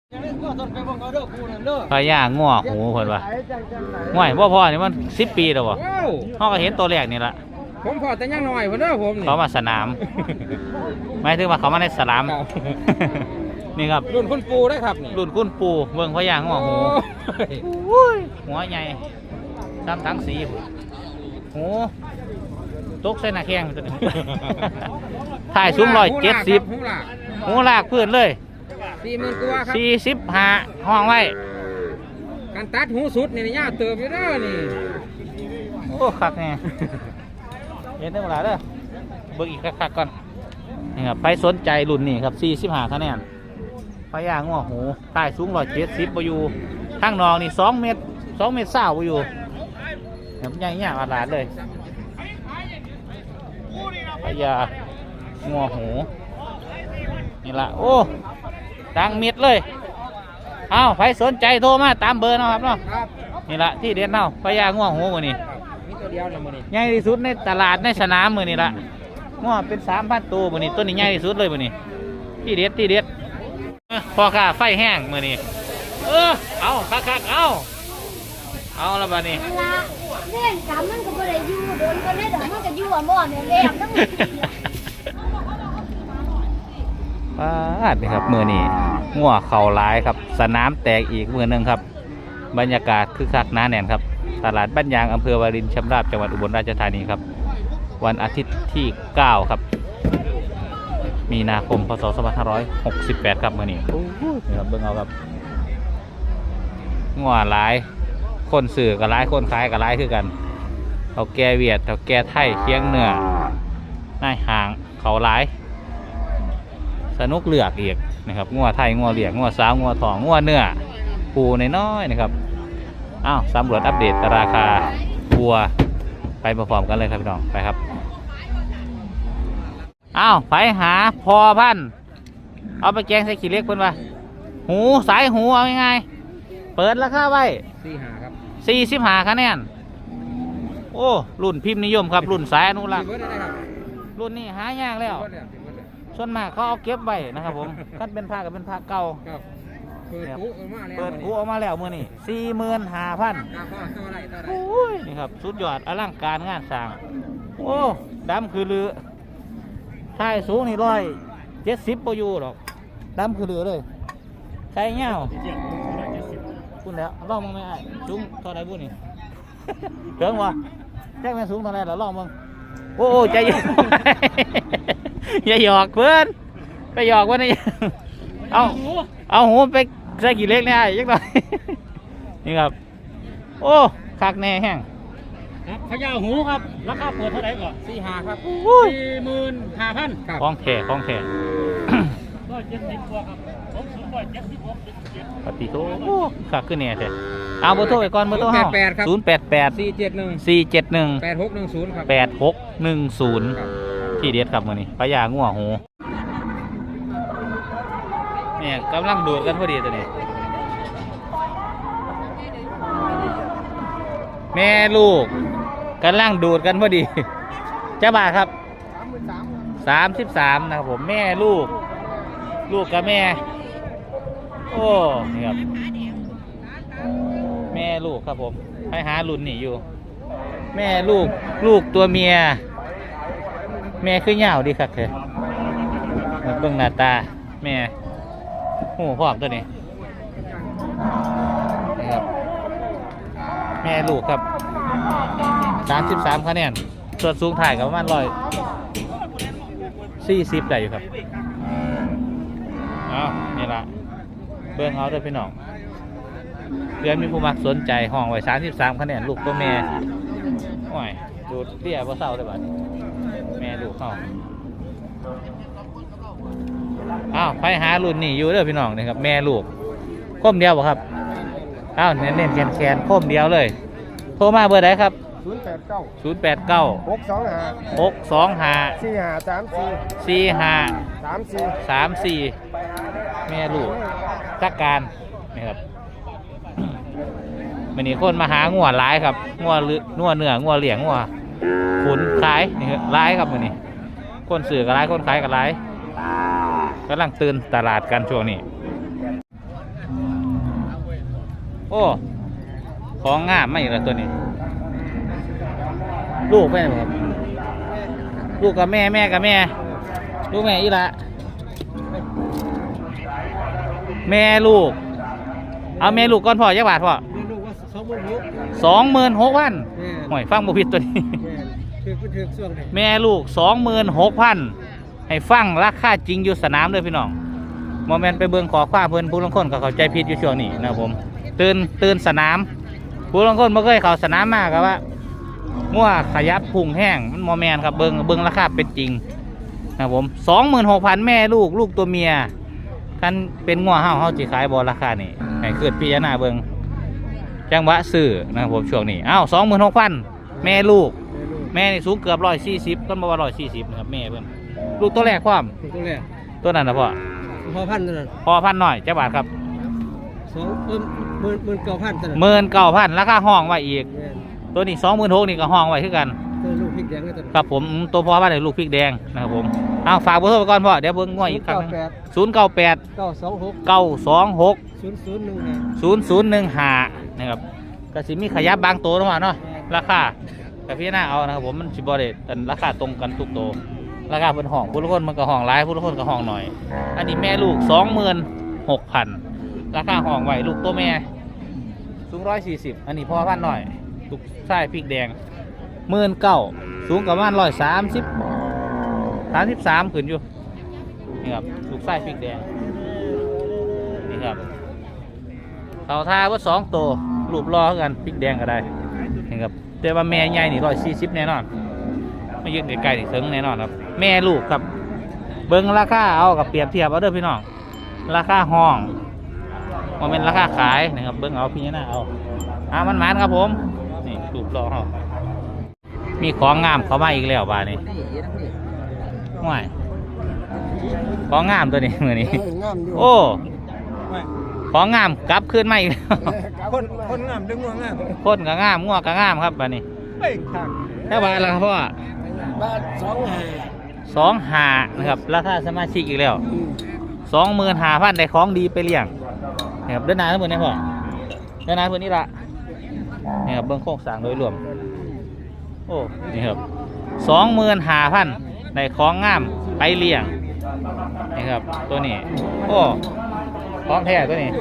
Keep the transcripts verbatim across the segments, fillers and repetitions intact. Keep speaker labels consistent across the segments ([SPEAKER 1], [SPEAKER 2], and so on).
[SPEAKER 1] พญาง่วหูเพิ่นว่าง่วยบ่พอนี่มันสิบปีแล้วบ่เฮาก็เห็นตัวแรกนี่ล่ะ
[SPEAKER 2] ผมพอแต่ยังน้อยเพิ่นเด้อผมนี่
[SPEAKER 1] เขามาสนามหมายถึงว่าเขามาในสนามนี่ครับ
[SPEAKER 2] รุ่นคุณปูได้ครับนี่
[SPEAKER 1] รุ่นคุณปูเบิ่งพญาง่วหูหัวใหญ่ตามทั้งสีหูตกใส่หน้าแข้งตัวนี้ถ่ายสูงร้อยเจ็ดสิบหูลากพื้นเลย
[SPEAKER 2] สี่หมื่นกว่าครับ
[SPEAKER 1] สี่สิบห้าห้องไว้
[SPEAKER 2] การตัดหูสุดนี่ยากเติบอยู่เด้อนี่
[SPEAKER 1] โอ้คักแน่เห็นได้เวลาเด้อเบิ่งอีกคักๆก่อนนี่ครับไปสนใจรุ่นนี้ครับสี่สิบห้าคะแนนพญาง่วหูถ่ายสูงร้อยเจ็ดสิบบ่อยู่ข้างนอกนี่สองเมตรสองเมตรเศร้าบ่อยู่แบบใหญ่ๆอาลาดเลยพญาง่วหูนี่ละโอ้ตังเม็ดเลยเอาใครสนใจโทรมาตามเบอร์นะครับเนาะนี่ละที่เด็ดเนาะพญาง่วหูมือนี่ใหญ่ที่สุดในตลาดในสนามมือนี่ละง่วเป็นสามพันตัวมือนี่ตัวนี้ใหญ่ที่สุดเลยมือนี่ที่เด็ดที่เด็ดพอค่ะไฟแห้งมือนี่เออเอาคักๆเอาเอาแล้วบ้านี้
[SPEAKER 3] เล่นกำมันก็ไม่ได้อยู่โดนก็ได้แต่มันก็อยู่อ่ะม่อนเนี่ยเลี้ยงทั้ง
[SPEAKER 1] ป้าดนี่ครับมือนี่งัวเข่าร้ายครับสนามแตกอีกมือหนึ่งครับบรรยากาศคึกคักหนาแน่นครับตลาดบ้านยางอำเภอวารินชำราบจังหวัดอุบลราชธานีครับวันอาทิตย์ที่เก้าครับมีนาคมพศสองพันห้าร้อยหกสิบแปดครับมือนี่นี่ครับเบิ่งเอาครับงัวร้ายคนสื่อกับร้ายคนขายกับร้ายคือกันเขาแก่เวียดเขาแก่ไทยเคียงเหนือหน้าห่างเขาร้ายสนุกเลือกอีกนะครับงัวไทยงัวเหลียงงัวสาวงัวทองงัวเนื้อปูน้อยๆนะครับอ้าวสำรวจอัปเดตราคาวัวไปพร้อมๆกันเลยครับพี่น้องไปครับอ้าวไปหาพอพันเอาไปแกงใส่ขี้เล็กเพิ่นว่าหูสายหูเอาง่ายๆเปิดราคาไว้
[SPEAKER 2] สี่ห้าครับ
[SPEAKER 1] สี่สิบห้าคะแนนโอ้รุ่นพิมพ์นิยมครับรุ่นสายอนุรักษ์รุ่นนี้หายากแล้วส่วนมากเขาเอาเก็บไว้นะครับผมคันเป็นผ้ากับเป็นผ้าเก่า
[SPEAKER 2] เปิดกูออกมาแล้ว
[SPEAKER 1] เปิดกูออกมาแล้วมือนี่สี่หมื่นห้าพันโอ้ยนี่ครับสุดยอดอลังการงานสร้างโอ้ดำคือลือท้ายสูงนี่ร้อยเจ็ดสิบปอยู่หรอกดำคือลือเลยใช้เงาคุณแล้วลองมึงไม่ไอ้สูงเท่าไรบุญนี่เกินวะแจ้งแม่สูงเท่าไรแล้วลองมึงโอ้ใจเย็นอย่าหยอกเพื่อนไปหยอกวะนี่เอาเอาหูไปใส่กี่เล็กเนี่ยยังไงนี่ครับโอ้คักแน่แห้ง
[SPEAKER 2] พญาหูครับราคาเปิดเท่าไหร่ก่อนสี่ห้าครับสี่หมื่นห้าพัน
[SPEAKER 1] คล้องแข่คล้องแข่
[SPEAKER 2] ร้อยเจ็ดสิบกว่าครับผมสูงร้อยเจ็ดสิบหก
[SPEAKER 1] ปฏิโตคักขึ้นเนี่ยเถอะเอาเบอร์โทรไปก่อนเบอร์โทรห้าศูนย์แปดแปด
[SPEAKER 2] สี่เจ็ดหนึ่ง
[SPEAKER 1] สี่เจ็ดหนึ่ง
[SPEAKER 2] แปดหกหนึ่งศูนย์ครับ
[SPEAKER 1] แปดหกหนึ่งศูนย์ที่เด็ดครับมือนี้พญางัวหูเนี่ยกำลังดูดกันพอดีตัวนี้แม่ลูกกำลังดูดกันพอดีเจ้าบ่าวครับสามสิบสามนะครับผมแม่ลูกลูกกับแม่โอ้นี่ครับแม่ลูกครับผมไปหารุ่นนี่อยู่แม่ลูกลูกตัวเมียแม่คือเหย้าดีครับเธอเบิ่งหน้าตาแม่หูพร้อมตัวนี้นี่ครับแม่ลูกครับสามสิบสามคะแนนส่วนสูงถ่ายกับประมาณร้อยสี่สิบได้อยู่ครับอ้าวนี่ละเบิ่งเอาด้วยพี่น้องเพื่อนมีผู้มักสนใจห้องไว้สามสิบสามคะแนนลูกตัวแม่โอ้ยดูเตี้ยเพราะเศร้าเลยบ้าแม่ลูกเข้าอ้าวไปหารุ่นนี่อยู่เด้อพี่น้องนี่ครับแม่ลูกโค้มเดียวบ่ครับอ้าวเน้นเน้นแขนแขนโค้มเดียวเลยโทรมาเบอร์ไหนครับ
[SPEAKER 2] ศูนย์แปดเก้า
[SPEAKER 1] ศูนย์แปดเก้า
[SPEAKER 2] หกสองห้า
[SPEAKER 1] หกสองห้า
[SPEAKER 2] สี่ห้าสามสี่
[SPEAKER 1] สี่ห้า
[SPEAKER 2] สามสี่
[SPEAKER 1] สามสี่แม่ลูกจักการนี่ครับวันนี้คนมาหางัวร้ายครับงัวเลืองัวเนื้องัวเหลี่ยงงัวขุนขายนี่ครับร้ายครับวันนี้คนสื่อกับร้ายคนขายกับร้ายกำลังตื่นตลาดกันช่วงนี้โอ้ของงามไม่ละตัวนี้ ลูกแม่ครับลูกกับแม่แม่กับแม่ลูกแม่อีละแม่ลูกเอาแม่ลูกก่อนพ่อยักบาทพ่อ
[SPEAKER 2] ลูกว่าสองหมื่นหก
[SPEAKER 1] สองหมื่นหกพัน
[SPEAKER 2] แม่
[SPEAKER 1] ห่วยฟังบุพิดตัวนี้
[SPEAKER 2] ถือก็ถือช่วงไหน
[SPEAKER 1] แม่ลูกสองหมื่นหกพันให้ฟังราคาจริงอยู่สนามเลยพี่น้องโมเมนต์ไปเบิ่งขอความเพิ่นผู้ลางคนก็เข้าใจผิดอยู่ช่วงนี้นะครับผมตื่นตื่นสนามผู้ลางคนไม่เคยเข้าสนามมากครับว่ามั่วขยับพุ่งแห้งมันโมเมนต์ครับเบิ่งเบิ่งราคาเป็นจริงนะครับผมสองหมื่นหกพันแม่ลูกลูกตัวเมียคันเป็นงัวเฮาเฮาจีขายบอราคานี่ให้เกิดพิจารณาเบิ่งจังหวะซื้อนะครับผมช่วงนี้อ้าวสองหมื่นหกพันแม่ลูกแม่นี่สูงเกือบร้อยสี่สิบต้นบอกว่าร้อยสี่สิบนะครับแม่เพิ่นลูกตัวแรกความ
[SPEAKER 2] ตัวแรก
[SPEAKER 1] ตัวนั้นนะพ่อ
[SPEAKER 2] พอพันเท่านั้น
[SPEAKER 1] พอพันหน่อยเจ้าบาทครับ
[SPEAKER 2] สองเอิ่มหมื่นหมื่นเก้าพันเท่านั้น
[SPEAKER 1] หมื่นเก้าพันราคาห้องไว้อีก
[SPEAKER 2] แม่
[SPEAKER 1] ตัวนี้สองหมื่นหกนี่ก็ห้องไว้คือกัน
[SPEAKER 2] ตัวลูกพริกแดงเลยตัวนั้น
[SPEAKER 1] ครับผมอืมตัวพ่อบ้านเลยลูกพริกแดงนะครับผมเอาฝากเบอร์โทรไปก่อนพ่อเดี๋ยวเบิ้งง่วยอีกครั้งหนึงศูนย์เก้าแปด
[SPEAKER 2] เก้าสองหก
[SPEAKER 1] เก้าสองหก
[SPEAKER 2] ศูนย์ศูนย์หนึ่งห้า
[SPEAKER 1] ศูนย์ศูนย์หนึ่งห้านะครับก็สิมีขยับบางตัวเนาะเนาะราคาแต่พี่หน้าเอานะครับผมมันสิบอเดตแต่ราคาตรงกันทุกตัวราคาเป็นห้องผู้ละคนมันก็ห้องหลายผู้ละคนก็ห้องหน่อย อันนี้แม่ลูกสองหมื่นหกพันราคาห้องไว้ลูกตัวแม่สูงร้อยสี่สิบอันนี้พ่อพันหน่อยลูกชายพริกแดงหมื่นเก้าสูงกับประมาณร้อยสามสิบสามสิบสามขึ้นอยู่นี่ครับลูกชายพริกแดงนี่ครับเขาทาว่าสองตัวรูปรอกันพริกแดงก็ได้นี่ครับแต่ว่าแม่ใหญ่นี่ร้อยสี่สิบแน่นอนไม่ยืนไกลๆถึงแน่นอนครับแม่ลูกครับเบิ้งราคาเอากับเปรียบเทียบเอาเด้อพี่น้องราคาห้องมันเป็นราคาขายนะครับเบิ้งเอาพี่น้าเอาอามันหมานครับผมนี่รูปรอเขามีของงามเข้ามาอีกแล้วบ้านนี้ห่วยของงามตัวนี้มือนี้
[SPEAKER 2] งามอยู่
[SPEAKER 1] โอ้ของงามกลับขึ้นมาอีกแล้ว
[SPEAKER 2] คนคนงามดึงงาม
[SPEAKER 1] คนก็งามงัวก็งามครับบ้านนี้
[SPEAKER 2] เฮ้ยทาง
[SPEAKER 1] แค่บาทละครับพ่อ
[SPEAKER 2] บ้านสองห้า
[SPEAKER 1] สองหานะครับราคาสมาชิกอีกแล้วสองหมื่นห้าพันได้ของดีไปเลี้ยงนะครับเดินหน้าทั้งหมดนี่พ่อเดินหน้าเพื่อนนี่ละนี่ครับเบื้องโครงสร้างโดยรวมโอ้นี่ครับสองหมื่นห้าพันได้ของงามไปเลี้ยงนี่ครับตัวนี้โอ้ของแท้ตัวนี้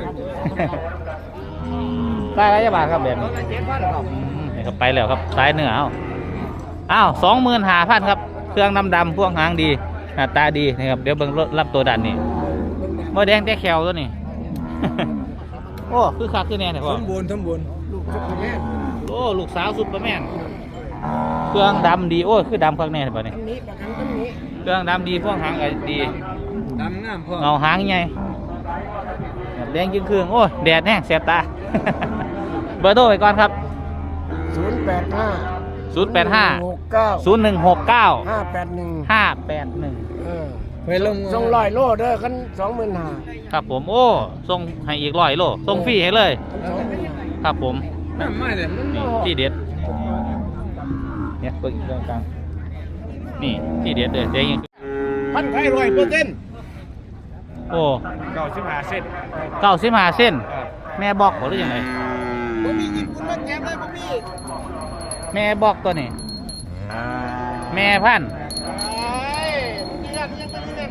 [SPEAKER 1] ได้ไรจะบาทครับแบบนี้อืมนี่ครับไปแล้วครับสายเหนือเอาอ้าวสองหมื่นห้าพันครับเครื่องดำดำพวกหางดีหน้าตาดีนะครับเดี๋ยวเบิ่งรับตัวดันนี่โมแดงแต่แขวตัวนี้ โอ้คือคักคือแน่เนี่ยพ่อ
[SPEAKER 2] สมบูรณ์สมบูรณ์ลูกสุดแม่
[SPEAKER 1] โอ้ลูกสาวสุดประแม่นเครื่องดำดีโอ้คือดำคักแน่เลยป่ะนี่
[SPEAKER 2] อันนี้ประกันต้นนี้
[SPEAKER 1] เครื่องดำดีพวกหางก็ดี
[SPEAKER 2] ดำงามพ่อ
[SPEAKER 1] เงาหางใหญ่แดงจึงเครื่องโอ้แดดแห้งแสบตา เบอร์โทรไปก่อนครับ
[SPEAKER 2] ศูนย์แปดห้า
[SPEAKER 1] ศูนย์แปดห้า
[SPEAKER 2] หกเก้า
[SPEAKER 1] ศูนย์หนึ่งหกเก้า
[SPEAKER 2] ห้าแปดหนึ่ง
[SPEAKER 1] ห้าแปดหนึ่ง
[SPEAKER 2] เออไปลงส่งลอยโลเด้อกันสองหมื่นห้า
[SPEAKER 1] ครับผมโอ้ส่งให้อีกร้อยโลส่งฟรีให้เลย
[SPEAKER 2] สองหมื่นห้า
[SPEAKER 1] ครับผม
[SPEAKER 2] น้ำไม่เลย
[SPEAKER 1] นี่ที่เด็ดเนี่ยเปิดอีกตรงกลางนี่ที่เด็ดเลยเจ๊ยัง
[SPEAKER 2] พันไข่ร้อยเปอร์เซ็นต์
[SPEAKER 1] โอ้
[SPEAKER 2] เก้าสิบห้าเส้น
[SPEAKER 1] เก้าสิบห้าเส้นแม่บอกหรือยังไง
[SPEAKER 2] ผมมีกินคุณมาแก็บเลยผมมี
[SPEAKER 1] แม่บอกตัวนี้แม่พันธุ์
[SPEAKER 2] ไอ้ที่ยันยังไม่ได้เล่น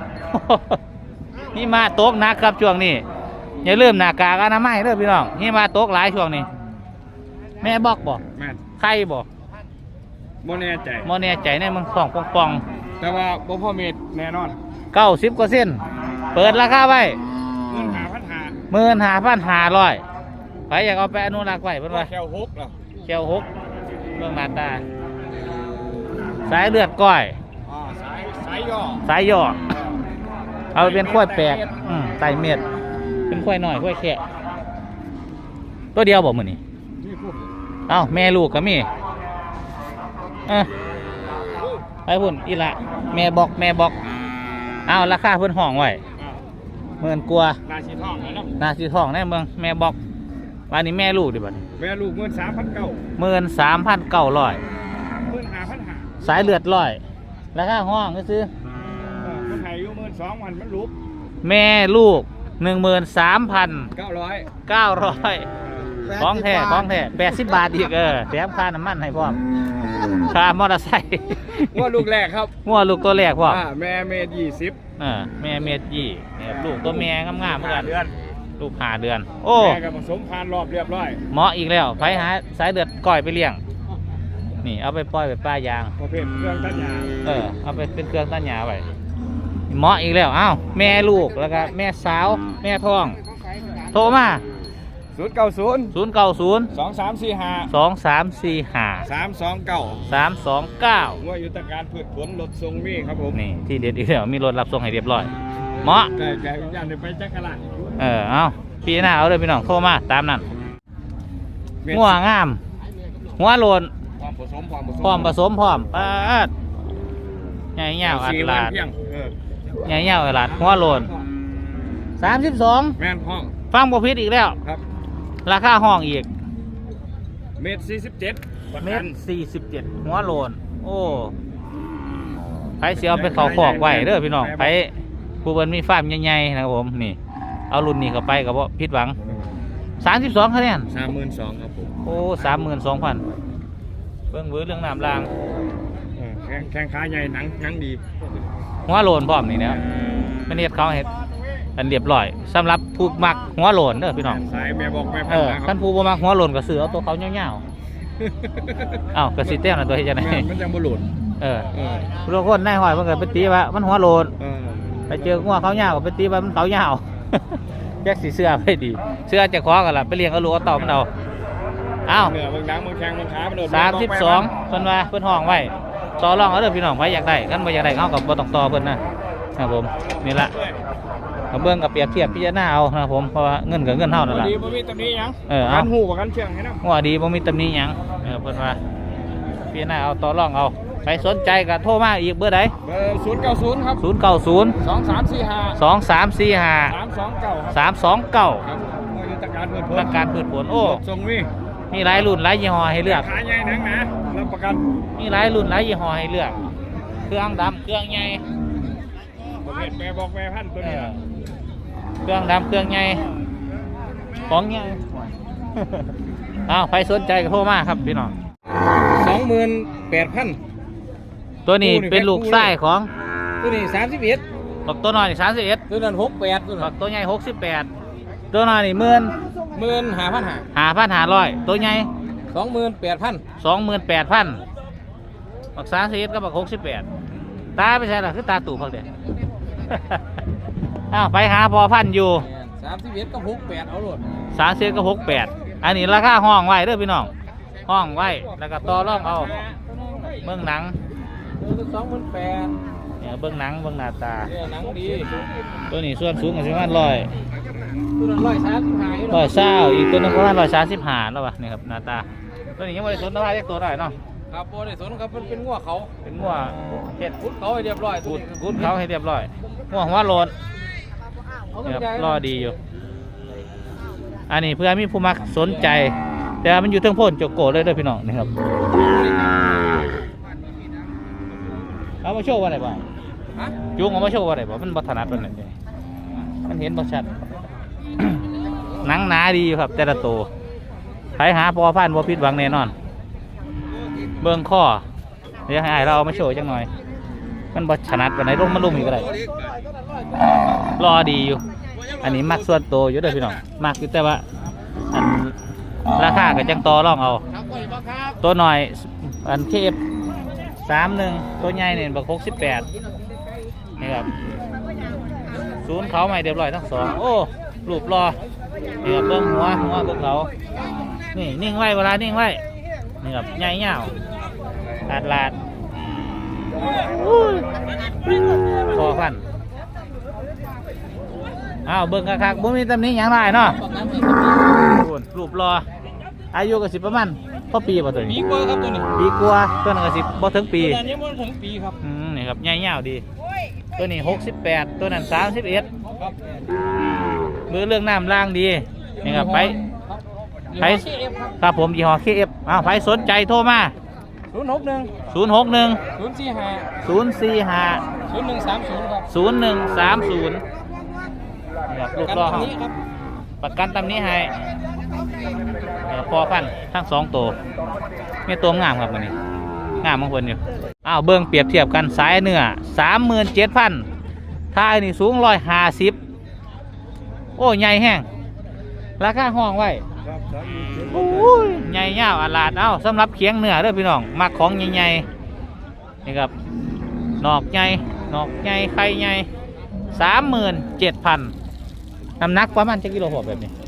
[SPEAKER 1] นี่มาโต๊กหนักครับช่วงนี้อย่าลืมหน้ากากอนามัยเด้อพี่น้องนี่มาโต๊กหลายช่วงนี้ แม่บอกบอก
[SPEAKER 2] แม่
[SPEAKER 1] ใครบอก
[SPEAKER 2] โมแน่ใจ
[SPEAKER 1] โมแน่ใจในมึงสองปองปอง
[SPEAKER 2] แต่ว่าบ่พ่อเมดแน่นอน
[SPEAKER 1] เก้าสิบกว่าเส้นเปิดราคาไว้
[SPEAKER 2] เงินหาพันหา
[SPEAKER 1] หมื่นห้าพันห้าร้อยไปอยากเอาไปอนุรักษ์ไว้เพิ่นว่า
[SPEAKER 2] แควหกเหรอ
[SPEAKER 1] เขียวหกเรื่องหน้าตา สายเลือดก้อย
[SPEAKER 2] อ๋อสายสายย่อ
[SPEAKER 1] สายย่อเอาไปเป็นข้อยแปลกอืมไตเม็ดเป็นข้อยหน่อยข้อยแค่ตัวเดียวบอกมือนี่
[SPEAKER 2] นี่พวก
[SPEAKER 1] เอ้าแม่ลูกก็มีเออไปพุ่นอีละแม่บอกแม่บอกเอาราคาเพิ่นห้องไว้หมื่นกว่า
[SPEAKER 2] นาชีทองแล้วเนาะ
[SPEAKER 1] นาสีทองในเมืองแม่บอกวันนี้แม่ลูกดิบัดนี้
[SPEAKER 2] แม่ลูกเงินสามพันเก้า
[SPEAKER 1] หมื่นสามพันเก้าร้อย
[SPEAKER 2] เงินหาพันหา
[SPEAKER 1] สายเลือดร้อยราคาห้องก็ซื้อ
[SPEAKER 2] คนไทยอยู่เงินสองวันมันลุก
[SPEAKER 1] แม่ลูกหนึ่งหมื่นสามพัน
[SPEAKER 2] เก้าร้อย
[SPEAKER 1] เก้าร้อยของแท้ของแท้แปดสิบบาทอีกเออแถมค่าน้ำมันให้พร้อมค่ามอเตอร์ไซค์
[SPEAKER 2] ว่าลูกแรกครับ
[SPEAKER 1] งัวลูกตัวแรกพร้อม
[SPEAKER 2] อ่าแม่เมตรยี่สิบ
[SPEAKER 1] เออแม่เม็ดยี่เนี่ยลูกตัวแม่งามๆเหมือนกันลูกห้าเดือน โอ้
[SPEAKER 2] แม่กับผสมพันธุ์รอบเรียบร้อย
[SPEAKER 1] เหมาะอีกแล้วไปหาสายเดือดก้อยไปเลี้ยงนี่เอาไปปล่อยไปป้ายาง
[SPEAKER 2] ประเภทเครื่องตัดหญ้า
[SPEAKER 1] เออเอาไปเป็นเครื่องตัดหญ้าไว้เหมาะอีกแล้วอ้าวแม่ลูกแล้วก็แม่สาวแม่ท้องโทรมา
[SPEAKER 2] ศูนย์เก้าศูนย์
[SPEAKER 1] ศูนย์เก้าศูนย์
[SPEAKER 2] สองสามสี่ห้า
[SPEAKER 1] สองสามสี่ห้า
[SPEAKER 2] สามสองเก้า
[SPEAKER 1] สามสองเก้า
[SPEAKER 2] ว่ายุทธการพืชผลลดทรงมีครับผม
[SPEAKER 1] นี่ที่เด็ดอีกแล้วมีรถรับส่งให้เรียบร้อยเหมาะ
[SPEAKER 2] ไก่ไก่ย่านเดี๋ยวไปจักรลาด
[SPEAKER 1] เออเอาพี่หน้าเอาเลยพี่น้องโทรมาตามนั้นงัวงามหัวโลน
[SPEAKER 2] ความผสมความผสม
[SPEAKER 1] พร้อมผสมพร้อมปาดใหญ่เงาอัด
[SPEAKER 2] สี่
[SPEAKER 1] ลา
[SPEAKER 2] วัน
[SPEAKER 1] ด
[SPEAKER 2] เพียงเออ
[SPEAKER 1] ใหญ่เงาอัดลาดหัวโลนสามสิบสอง
[SPEAKER 2] แม่นห้อง
[SPEAKER 1] ฟังบ่ผิดอีกแล้ว
[SPEAKER 2] ครับ
[SPEAKER 1] ราคาห้องอีก
[SPEAKER 2] เมตรสี่สิบเจ็ด
[SPEAKER 1] เมตรสี่สิบเจ็ดหัวโลน โอ้ไผเสียเอาไปเขาขอกไว้เด้อพี่น้องไผผู้เบิ่นมีฟาร์มใหญ่ๆนะครับผมนี่ เอารุ่นนี้เข้าไปกับว่าผิดหวังสามสิบสองคะแนน
[SPEAKER 2] สามหมื่นสองครับผม
[SPEAKER 1] โอ้สามหมื่นสองพันเบิ่งเบื้อเรื่องน้ำราง
[SPEAKER 2] เออแข้งแข้งขาใหญ่หนังหนังดี
[SPEAKER 1] หัวโลนพร้อมนี่นะมันเฮ็ดเขาเฮ็ดอันเรียบร้อยสำหรับผู้มักหัวโลนเด้อพี่น้อง
[SPEAKER 2] สายแม่บอกแม่
[SPEAKER 1] เอ
[SPEAKER 2] พัน
[SPEAKER 1] อ
[SPEAKER 2] นะค
[SPEAKER 1] คั
[SPEAKER 2] รับ
[SPEAKER 1] นผู้บ่มักหัวโลนก็ซื้อเอาตัวเขาเงาวๆเอ้ากระสิเต้มนะตัวเฮ็ดจังได๋
[SPEAKER 2] แม่นมันจะบ่หลุด
[SPEAKER 1] เออ
[SPEAKER 2] เออ
[SPEAKER 1] ทุกคนนายห้อยมันก็ไปตีว่ามันหัวโลน
[SPEAKER 2] เออ
[SPEAKER 1] ไปเจอหัวเขายาวก็ไปตีว่ามันเขายาว แยกสีเสื้อไปดีเสื้อจะคอกันล่ะไปเลี้ยงเอาลูกเอาเต่ามันเอาเอ้า
[SPEAKER 2] เหนือบางหนังบางแข้งบางขามันโดน
[SPEAKER 1] สามสิบสองเพิ่นว่าเพิ่นห้องไว้ต่อรองเอาเด้อพี่น้องไผอยากได้กันบ่อยากได้เขาก็บ่ต้องต่อเพิ่นนะครับผมนี่ล่ะเอาเบิ่งกับเปรียบเทียบพิจารณาเอานะครับผมเพราะว่าเงินกับเงินเท่านั่นล่ะ
[SPEAKER 2] ดีบ่มีตำหนิหยัง
[SPEAKER 1] เออ
[SPEAKER 2] กั
[SPEAKER 1] เอา
[SPEAKER 2] นหูกับกันเชียงให้นำ
[SPEAKER 1] หัวดีบ่มีตำหนิหยังเออเพิ่นว่าพิจารณาเอาต่อรองเอาใครสนใจก็โทรมาอีกเบอร์ใด
[SPEAKER 2] เบอร์ศูนย์เก้าศูนย์ครับ
[SPEAKER 1] ศูนย์ เก้า ศูนย์
[SPEAKER 2] สองสามสี่ห้า
[SPEAKER 1] สอง สาม สี่ ห้า
[SPEAKER 2] สามสองเก้าครับ
[SPEAKER 1] สาม สอง เก้า
[SPEAKER 2] ครับว่ายุทธการพืชผล
[SPEAKER 1] ประการพืชผลโอ้
[SPEAKER 2] ทรงมี
[SPEAKER 1] มีหลายรุ่นหลายยี่ห้อให้เลือก
[SPEAKER 2] ขาใหญ่หนังหนารับประกัน
[SPEAKER 1] มีหลายรุ่นหลายยี่ห้อให้เลือก เครื่องดำเครื่องใหญ่
[SPEAKER 2] ประเภทแม่บอกแม่พันธุ์ตัว
[SPEAKER 1] เอ
[SPEAKER 2] นี้
[SPEAKER 1] อเครื่องดำเครื่องใหญ่ของใหญ่ อ้าวใครสนใจก็โทรมาครับพี่น้อง
[SPEAKER 2] สองหมื่นแปดพัน
[SPEAKER 1] ตัวนี้เป็นลูกไส้ของ
[SPEAKER 2] ตัวนี้สามสิบเอ็ด
[SPEAKER 1] บักตัวน้อยสามสิบเอ็ด
[SPEAKER 2] ตัวนั้นหกแปดตัว
[SPEAKER 1] บั
[SPEAKER 2] นั้น
[SPEAKER 1] กตัวใหญ่หกสิบแปดตัวน้อยนี่หมื่น
[SPEAKER 2] หมื่นห้าพันห้า
[SPEAKER 1] หาพันหาร้อยตัวใหญ่
[SPEAKER 2] สองหมื่นแปดพัน
[SPEAKER 1] สองหมื่นแปดพันบักสามสิบเอ็ดกับบักหกสิบแปดตาไม่ใช่หรอคือตาตู่พักเดียว อ้าวไปหาพอพันอยู่
[SPEAKER 2] สามสิบเอ็ดก็หกแปดเอาโหลด
[SPEAKER 1] สามสิบก็หกแปดอันนี้ราคาห้องไว้เด้อพี่น้องห้องไว้แล้วก็ต่อรองเอาเบื้องหนัง
[SPEAKER 2] ตัวสองหมื่นแปด
[SPEAKER 1] เนี่ยเบื้องหนังเบื้องหน้าตา
[SPEAKER 2] เนี่ยหนังดี
[SPEAKER 1] ตัวนี้ส่วนสูงกันประมาณร้อย
[SPEAKER 2] ตัวนั้นร้อยสามสิบห้า
[SPEAKER 1] ร้อยเศร้าอีกตัวหนึงประมาณร้อยสามสิบห้าแล้ววะนี่ครับหน้าตาตัวนี้ยังไม่ได้สนราคาเรียกตัวได้เนาะ
[SPEAKER 2] ครับโบได้สนครับมันเป็นงัวเขา
[SPEAKER 1] เป็นงัวเห็ด
[SPEAKER 2] พุดเขาให้เรียบร้อย
[SPEAKER 1] กูดกูดเขาให้เรียบร้อยงัวหัวโลน
[SPEAKER 2] เขา
[SPEAKER 1] นี่ครับ
[SPEAKER 2] ใจ
[SPEAKER 1] รอดีอยู่ อันนี้เพื่อมีผู้มักสนใจ แต่ว่ามันอยู่เทิงโพ่นโจโกเลยเด้วยพี่น้องนี่ครับเอามาโชว์ว่าไหนบ้าง
[SPEAKER 2] ฮะ
[SPEAKER 1] จุงเอามาโชว์ว่าไหนบ้างมันบัถนัดวันไหนเด้มันเห็นบัชัด หนังหนาดีอยู่ครับแต่ละตัวใครหาพอพันบ่ผิดหวังแน่นอน เบื้องข้อเดี๋ยวให้อ้ายเราเอามาโชว์จังหน่อย มันบัถนัดวันไหนลงมันลงอีกก็ได้รอดีอยู่ อันนี้มักส่วนตัวอยู่เด้อพี่น้องมักอยู่แต่ว่าอันราคาก็จังต่อรองเอา
[SPEAKER 2] ครับก็อยู่บ้างครับ
[SPEAKER 1] ตัวหน่อยอันเคฟสามหนึ่งตัวใหญ่เนี่ยบักหกสิบแปดนี่ครับศูนย์เขาใหม่เรียบร้อยทั้งสองโอ้รูปรอนี่ครับเบิ้งหัวหัวเบิ้งเขานี่นิ่งไว้เวลานิ่งไว้นี่ครับใหญ่เงาลาดลาดอุ้ยพอพันอ้าวเบิ้งคักๆบ่มีตำหนิหยังไรเนาะรูปรออายุก็สิประมาณพอปีป่ะตัว
[SPEAKER 2] ปี
[SPEAKER 1] นี้
[SPEAKER 2] กว่าครับตัวนี้
[SPEAKER 1] ปีกว่าตัวนึงก็สิบ่ถึงปี
[SPEAKER 2] ตัวนั้นยังไม่ถึงปีครับ
[SPEAKER 1] อืมนี่ครับใหญ่ยาวดี ตัวนี้หกสิบแปดตัวนั้นสามสิบเอ็ด
[SPEAKER 2] ครับ
[SPEAKER 1] มือเรื่องน้ำล่างดีนี่ครับไป
[SPEAKER 2] ไป
[SPEAKER 1] ไปครับผมยี่ห้อ เค เอฟ อ้าวไปสนใจโทรมา
[SPEAKER 2] ศูนย์หกหนึ่ง
[SPEAKER 1] ศูนย์ หก หนึ่ง
[SPEAKER 2] ศูนย์สี่ห้า
[SPEAKER 1] ศูนย์ สี่ ห้า
[SPEAKER 2] ศูนย์หนึ่งสามศูนย์ครับ
[SPEAKER 1] ศูนย์ หนึ่ง สาม ศูนย์นี่ครับลูกรอ
[SPEAKER 2] นี้ครับ
[SPEAKER 1] ประกันตำนี้ให้เอ่อพอพันทั้งสองตัวมีตัวงามครับมันนี้งามบางคนอยู่อ้าวเบิ้งเปรียบเทียบกันสายเนื้อสามหมื่นเจ็ดพันท้ายนี่สูงร้อยห้าสิบโอ้ใหญ่แห้งราคาห้องไว้โอ้ยใหญ่ยาวอลาดเอ้าสำหรับเคียงเนื้อเด้อพี่น้องมักของใหญ่ๆนี่ครับนอกใหญ่นอกใหญ่ไข่ใหญ่สามหมื่นเจ็ดพันน้ำหนักประมาณจะกิโลหกแบบนี้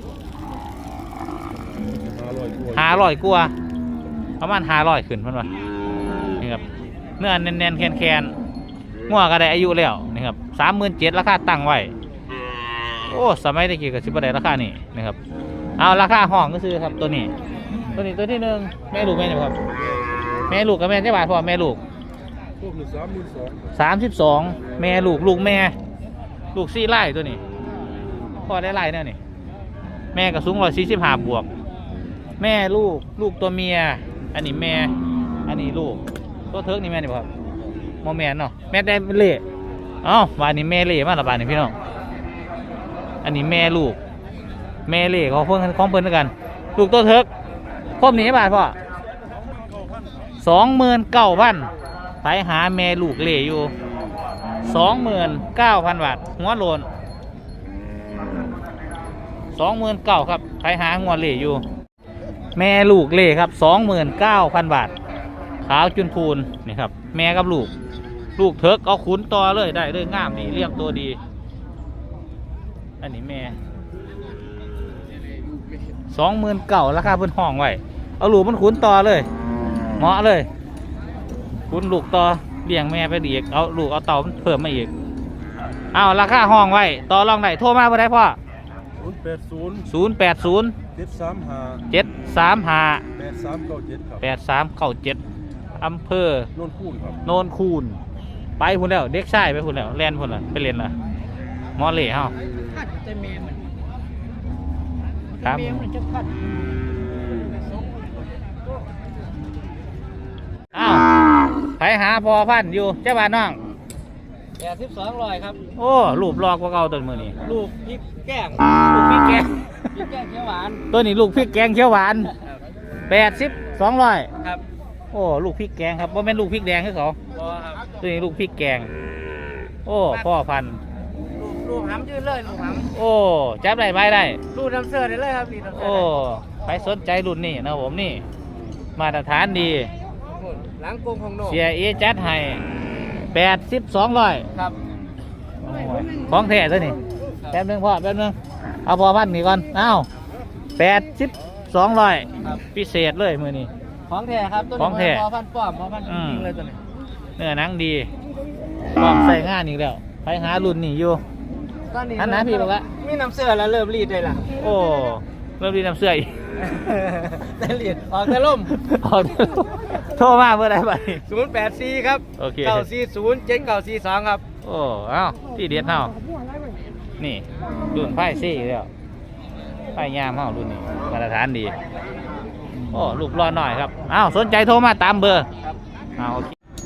[SPEAKER 1] ห้าร้อยกว่าประมาณห้าร้อยขึ้นเพิ่นว่านี่ครับเนื้อแน่นๆแคนๆงัวก็ได้อายุแล้วนี่ครับสามหมื่นเจ็ดราคาตั้งไว้โอ้สมัยตะกี้ก็สิบได้ราคานี่นะครับเอาราคาห้องก็ซื้อครับตัวนี้ตัวนี้ตัวที่หนึ่งแม่ลูกแม่เนี่ยครับแม่ลูกกับแม่เจ้าบาทพ่อแม่ลูกสามสิบสองแม่ลูกลูกแม่ลูกสี่ไร่ตัวนี้พ่อได้ไร่เนี่ยนี่แม่ก็สูงร้อยสี่สิบห้าบวกแม่ลูกลูกตัวเมียอันนี้แม่อันนี้ลูกตัวเทิร์กนี่แม่นี่ครับโมแมนเนาะแม่ได้เล่เอ้าบ้านนี้แม่เล่มาละบ้านนี้พี่น้องอันนี้แม่ลูกแม่เล่ของเพิ่นของเพิ่นด้วยกันลูกตัวเทิร์กครบนี้บาทพ่อสองหมื่นเก้าพันไปหาแม่ลูกเล่อยู่สองหมื่นเก้าพันบาทหัวโลนสองหมื่นเก้าครับไปหาหัวเล่อยู่แม่ลูกเล่ครับสองหมื่นเก้าพันบาทขาวจุนพูนนี่ครับแม่กับลูกลูกเทิกเอาขุนต่อเลยได้เลยงามดีเรียบตัวดีอันนี้แม่สองหมื่นเก้าราคาเพิ่นห้องไว้เอาลูกมันขุนต่อเลยเหมาะเลยขุนลูกต่อเลี้ยงแม่ไปอีกเอาลูกเอาเต่าเพิ่มมาอีกเอาราคาห้องไว้ต่อรองได้โทรมาเมื่อไรพ่อ
[SPEAKER 4] ศูนย์แปดศูนย์
[SPEAKER 1] ศูนย์แปดศูนย์
[SPEAKER 4] เจ็ดสามห้า
[SPEAKER 1] เจ็ดสามห้า
[SPEAKER 4] แปดสามเก้าเจ็ดครับ
[SPEAKER 1] แปดสามเก้าเจ็ดอำเภอ
[SPEAKER 4] โน่นคูนครับ
[SPEAKER 1] โนนคูนไปพุ่นแล้วเด็กชายไปพุ่นแล้วแล่นพุ่นละไปเรียนละมอเล่เฮา
[SPEAKER 2] พัดแต่เมมัน
[SPEAKER 1] ครับ
[SPEAKER 2] เมมันจะพัด
[SPEAKER 1] อ้าวไปหาพอพันอยู่เจ้าบ้านน้อง
[SPEAKER 2] แปดสิบสองร้อยครับ
[SPEAKER 1] โอ้รูปลอกกว่าเก่าตัวมือนี่
[SPEAKER 2] ลูกพริกแกง
[SPEAKER 1] ลูกพริกแกง
[SPEAKER 2] พริกแกงเขียวหวาน
[SPEAKER 1] ตัวนี้ลูกพริกแกงเขียวหวานแปดสิบสองร้อย
[SPEAKER 2] ครับ
[SPEAKER 1] โอ้ลูกพริกแกงครับว่าแม่นลูกพริกแดงคือเขา
[SPEAKER 2] พอครับ
[SPEAKER 1] ตัวนี้ลูกพริกแกงโอ้พ่อพันธุ์
[SPEAKER 2] ลูกลูกหำยืนเลยลูกห
[SPEAKER 1] โอ้จับได้ใบได้
[SPEAKER 2] ำลูกน้ำเสือได้เลยครับนี่น้ำเสื
[SPEAKER 1] โอ้ไปสนใจรุ่นนี้นะผมนี่มาตรฐานดี
[SPEAKER 2] หลังกงของโน
[SPEAKER 1] เสียเอจัดให้แปดสิบสองร้อย
[SPEAKER 2] ครับ
[SPEAKER 1] ของแท้ตัวนี้แป๊บนึงพ่อแป๊บนึงเอาพอพันนี่ก่อนเอ้าแปดสิบสองร้อย
[SPEAKER 2] ครับ
[SPEAKER 1] พิเศษเลยมือนี้
[SPEAKER 2] ของแท้ครับตัว
[SPEAKER 1] ขอ
[SPEAKER 2] นี้
[SPEAKER 1] งแท้
[SPEAKER 2] พอพันป้อมพอพันจ
[SPEAKER 1] อืม
[SPEAKER 2] ริงๆเลยตัวนี้
[SPEAKER 1] เนื้อหนังดีพร้อมใส่งานอีกแล้วไปหารุ่นนี้อยู่
[SPEAKER 2] ตอนนี้
[SPEAKER 1] อันไหนพี่บอกว่า
[SPEAKER 2] มีน้ำเสือแล้วเริ่มรีดได้ละ
[SPEAKER 1] โอ้เริ่มดีน้ำเสื้ออีก
[SPEAKER 2] ได้รีดออกแต่ล่ม
[SPEAKER 1] ออกโทรมาเมื่อไรไป
[SPEAKER 2] ศูนย์แปดสี่ครับ
[SPEAKER 1] โอเค
[SPEAKER 2] เก้าสี่ศูนย์เจ็ดเก้าสี่สองครับ
[SPEAKER 1] โอ้เอ้าที่เด็ดเฮานี่รุ่นไพ่ซี่แล้วไพ่ยามเฮารุ่นนี้มาตรฐานดีโอ้ลูกรอหน่อยครับเอ้าสนใจโทรมาตามเบอร์
[SPEAKER 2] ครับ
[SPEAKER 1] เอาโอเค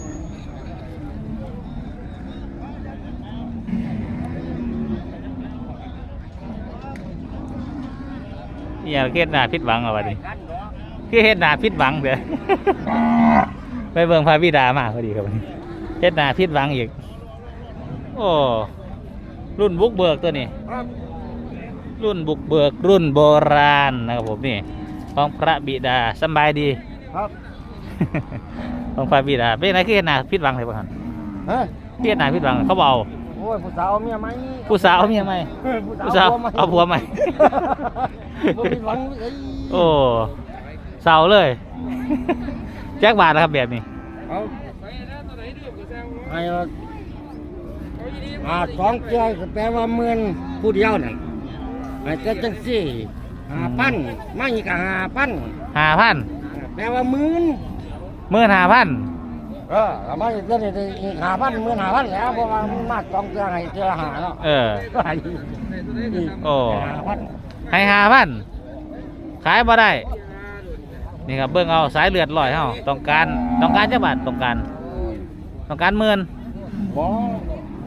[SPEAKER 1] อย่าเฮ็ดหน้าผิดหวังเอาวะดิคือเฮ็ดหน้าผิดหวังเด้อ ไปเบิ่งพระบิดามาพอดีครับวันนี้เฮ็ดหน้าผิดหวังอีกโอ้รุ่นบุกเบิกตัวนี้ รุ่นบุกเบิกรุ่นโบราณนะครับผมนี่ของพระบิดาสำบายดี
[SPEAKER 2] ครับ
[SPEAKER 1] ของพระบิดาเป็นอะไรคือเฮ็ดหน้าผิดหวังเลยพ่อท่าน
[SPEAKER 2] ฮะ
[SPEAKER 1] เฮ็ดหน้าผิดหวังเขาเบเอา
[SPEAKER 2] โอ้ยผู้สาวเอาเมียไหม
[SPEAKER 1] ผู้สาวเอาเมียไหมผู้สาวเอาผัวไหม
[SPEAKER 2] บ่มีหวังเอ้ย
[SPEAKER 1] โอ้เศร้าเลย แจ็คบาทนะครับแบบนี้
[SPEAKER 2] เอาไอ้ว่าอ่าสองเจ้าก็แปลว่าหมื่นผู้เดียวนั่นไอ้เจ้าจังสี่ห้าพันมาอีกก็ห้าพัน
[SPEAKER 1] ห้าพัน
[SPEAKER 2] แปลว่าหมื่น
[SPEAKER 1] หมื่นห้าพัน
[SPEAKER 2] เออทำไมเจ้านี่อีกห้าพันหมื่นห้าพันแล้วเพราะว่ามันมาสองเจ้าให้เจ้าหาเนาะ
[SPEAKER 1] เออ
[SPEAKER 2] ก็ให้
[SPEAKER 1] โอ้
[SPEAKER 2] ห้าพัน
[SPEAKER 1] ให้ห้าพันขายบ่ได้ นี่ครับเบิ่งเอาสายเลือดลอยเฮาต้องการต้องการจักบาทต้องการต้องการหมื่น
[SPEAKER 2] บ่โอ้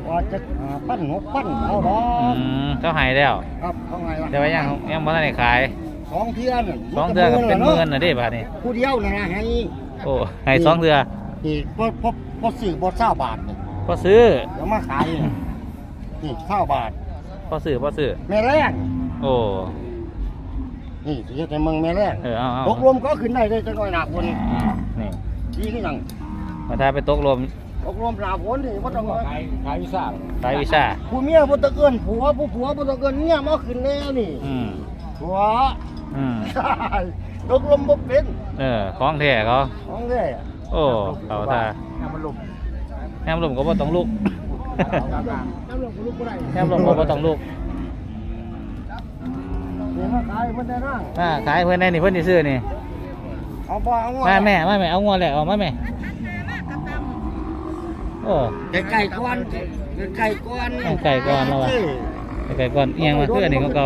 [SPEAKER 2] ว่าจะหาปั้นหกปั้นเอาดอ
[SPEAKER 1] อื
[SPEAKER 2] ก
[SPEAKER 1] มเขาใหายแล้ว
[SPEAKER 2] ครับเขาไงวะ
[SPEAKER 1] แต่ว่ายังยังบ่ทันได้ขาย
[SPEAKER 2] สองเทือน
[SPEAKER 1] สองเทื่อก็เป็นหมื่นน่ะเด้บาดนี้
[SPEAKER 2] ผู้เดียวนะนะให้
[SPEAKER 1] โอ้ให้สองเทื่อ
[SPEAKER 2] นี่พอพอพอซื้อบอเศร้าบาทนี่
[SPEAKER 1] พอซื้อ
[SPEAKER 2] แล้วมาขายนี่นี่เศร้าบาท
[SPEAKER 1] พอซื้อพอซื้อ
[SPEAKER 2] แม่แรง
[SPEAKER 1] โอ้
[SPEAKER 2] นี่สิเฮ็ดให้เมืองแม่แรง
[SPEAKER 1] เออเอาเอา
[SPEAKER 2] ตกลมก็ขึ้นได้เลยจังหน่อยหนาฝน
[SPEAKER 1] อืมนี่
[SPEAKER 2] ดีขึ้นยัง
[SPEAKER 1] มาถ้าไปตกลม
[SPEAKER 2] ตกลมหนาฝนนี่บ่ต้องขายขายวิซ่า
[SPEAKER 1] สายวิชา
[SPEAKER 2] ผู้เมียบ่ต้องเอิ้นผัวผู้ผัวบ่ต้องเอิ้นเมียมาขึ้นแล้วนี่
[SPEAKER 1] อืม
[SPEAKER 2] ผัว
[SPEAKER 1] อืม
[SPEAKER 2] ใช่ตกลมบ่เป็น
[SPEAKER 1] เออของแท้เขา
[SPEAKER 2] ของแท้
[SPEAKER 1] โอ้เขาท่า
[SPEAKER 2] น้ำมันลม
[SPEAKER 1] แฮมลมก็บ่ต้องลุก
[SPEAKER 2] น้ำลมก็ลุกบ่ได้
[SPEAKER 1] แฮมลมก็บ่ต้องลุก
[SPEAKER 2] นี่มาขายเพิ่นได้นั่ง
[SPEAKER 1] อ่าขายเพิ่นได้นี่เพิ่นสิซื้อนี่
[SPEAKER 2] เอาบ่เอา
[SPEAKER 1] มาแม่มาแม่เอางวแหละเอามาแม่โอ้
[SPEAKER 2] ไก่ไก่ก้อนไก่ก้อน
[SPEAKER 1] เอาไก่ก้อนแล้ววะ ไก่ก่อนเอียงมาคืออันนี้ก็เก่า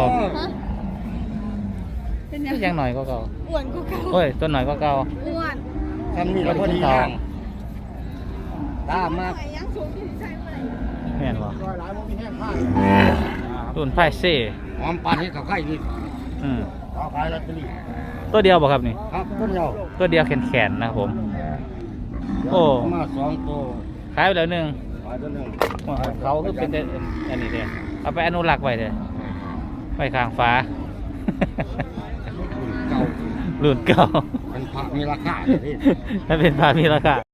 [SPEAKER 3] เป็นยัง
[SPEAKER 1] ยังหน่อยก็เก่า
[SPEAKER 3] อ้วนกูเก่า
[SPEAKER 1] โอ้ยต้นหน่อยก็เก่า
[SPEAKER 3] อ้วน
[SPEAKER 2] ทำนี่ก็พอดีทางตามมา
[SPEAKER 3] ยังสูงอยู่ใช่ไหม
[SPEAKER 1] แม่นบ่
[SPEAKER 2] ร้อยหลายบ่มีแห้งผ้า
[SPEAKER 1] รุ่นไฟเซ่
[SPEAKER 2] หอมปานนี้เขาไข่นี่
[SPEAKER 1] อืม
[SPEAKER 2] เขาขายลอตเตอรี่
[SPEAKER 1] ตัวเดียวบ่ครับนี่
[SPEAKER 2] ครับต้นเดียว
[SPEAKER 1] ตัวเดียวแขนๆนะครับผม โอ้
[SPEAKER 2] มาสองตัว
[SPEAKER 1] ขายไปแล้วหนึง
[SPEAKER 2] ขายตัวหนึง
[SPEAKER 1] เขาคือเป็นแต่อันนี้เด้อเอาไปอนุรักษ์ไว้เด้อไว้ข้างฟ้า
[SPEAKER 2] เก่า
[SPEAKER 1] รุ่นเก่า
[SPEAKER 2] เป็นพระมีราคาเลย
[SPEAKER 1] ถ้าเป็นพามีราคา